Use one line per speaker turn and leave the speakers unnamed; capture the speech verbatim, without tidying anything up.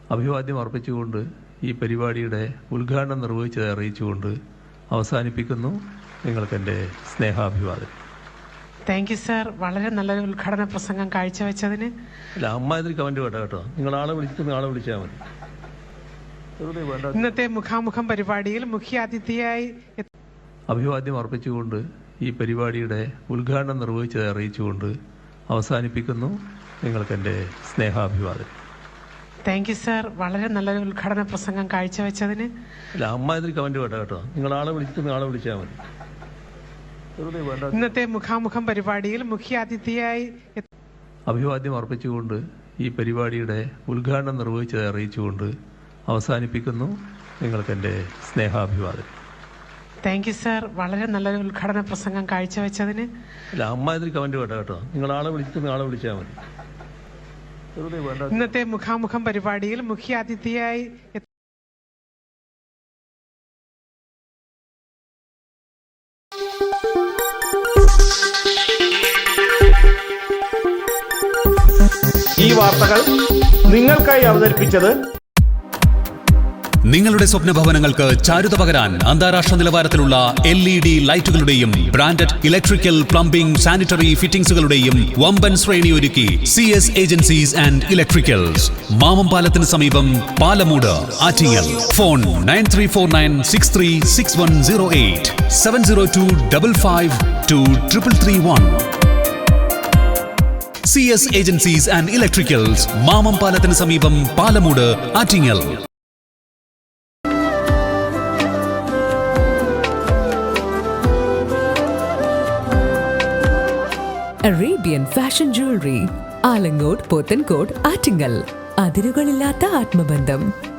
അഭിവാദ്യം അർപ്പിച്ചുകൊണ്ട് ഈ പരിപാടിയുടെ ഉദ്ഘാടനം നിർവഹിച്ചത് അറിയിച്ചുകൊണ്ട് അവസാനിപ്പിക്കുന്നു. നിങ്ങൾക്കെൻ്റെ സ്നേഹാഭിവാദം.
Thank you sir. വളരെ നല്ലൊരു ഉദ്ഘാടന പ്രസംഗം കാഴ്ചവെച്ചതിന്.
അല്ല, അമ്മാതിരി കമൻറ്റ് വേണ്ട കേട്ടോ. നിങ്ങൾ ആളെ വിളിച്ചിട്ട് ആളെ വിളിച്ചാൽ മതി.
ഇന്നത്തെ മുഖാമുഖം പരിപാടിയിൽ മുഖ്യാതിഥിയായി
അഭിവാദ്യം അർപ്പിച്ചുകൊണ്ട് ഈ പരിപാടിയുടെ ഉദ്ഘാടനം നിർവഹിച്ചത് അറിയിച്ചുകൊണ്ട് അവസാനിപ്പിക്കുന്നു. നിങ്ങൾക്കെൻ്റെ സ്നേഹാഭിവാദം.
Thank you sir. വളരെ നല്ലൊരു ഉദ്ഘാടന പ്രസംഗം കാഴ്ചവെച്ചതിന്.
അല്ല, അമ്മാതിരി കമൻറ്റ് വേണ്ട കേട്ടോ. നിങ്ങൾ ആളെ വിളിച്ചിട്ട് ആളെ വിളിച്ചാൽ മതി.
ഇന്നത്തെ മുഖാമുഖം പരിപാടിയിൽ മുഖ്യാതിഥിയായി
അഭിവാദ്യം അർപ്പിച്ചുകൊണ്ട് ഈ പരിപാടിയുടെ ഉദ്ഘാടനം നിർവഹിച്ചത് അറിയിച്ചുകൊണ്ട് അവസാനിപ്പിക്കുന്നു. നിങ്ങൾക്കെൻ്റെ സ്നേഹാഭിവാദം.
Thank you sir. വളരെ നല്ലൊരു ഉദ്ഘാടന പ്രസംഗം കാഴ്ചവെച്ചതിന്.
അല്ല, അമ്മാതിരി കമൻറ്റ് വേണ്ട കേട്ടോ. നിങ്ങൾ ആളെ വിളിച്ചിട്ട് ആളെ വിളിച്ചാൽ മതി.
ഇന്നത്തെ മുഖാമുഖം പരിപാടിയിൽ മുഖ്യാതിഥിയായി
ഈ വാർത്തകൾ നിങ്ങൾക്കായി അവതരിപ്പിച്ചത്
നിങ്ങളുടെ സ്വപ്ന ഭവനങ്ങൾക്ക് ചാരുത പകരാൻ അന്താരാഷ്ട്ര നിലവാരത്തിലുള്ള എൽ ഇ ഡി ലൈറ്റുകളുടെയും ബ്രാൻഡഡ് ഇലക്ട്രിക്കൽ, പ്ലംബിംഗ്, സാനിറ്ററി ഫിറ്റിംഗ്സുകളുടെയും വമ്പൻ ശ്രേണി ഒരുക്കി C S agencies and electricals, മാമംപാലത്തിന് സമീപം, Palamoodu, Attingal. Phone nine three four nine six three six one zero eight seven zero two double five two triple three one. C S agencies and electricals, മാമംപാലത്തിന് സമീപം, Palamoodu, Attingal.
Arabian fashion jewellery, Alangode, Pothencode, Attingal. അതിരുകളില്ലാത്ത ആത്മബന്ധം.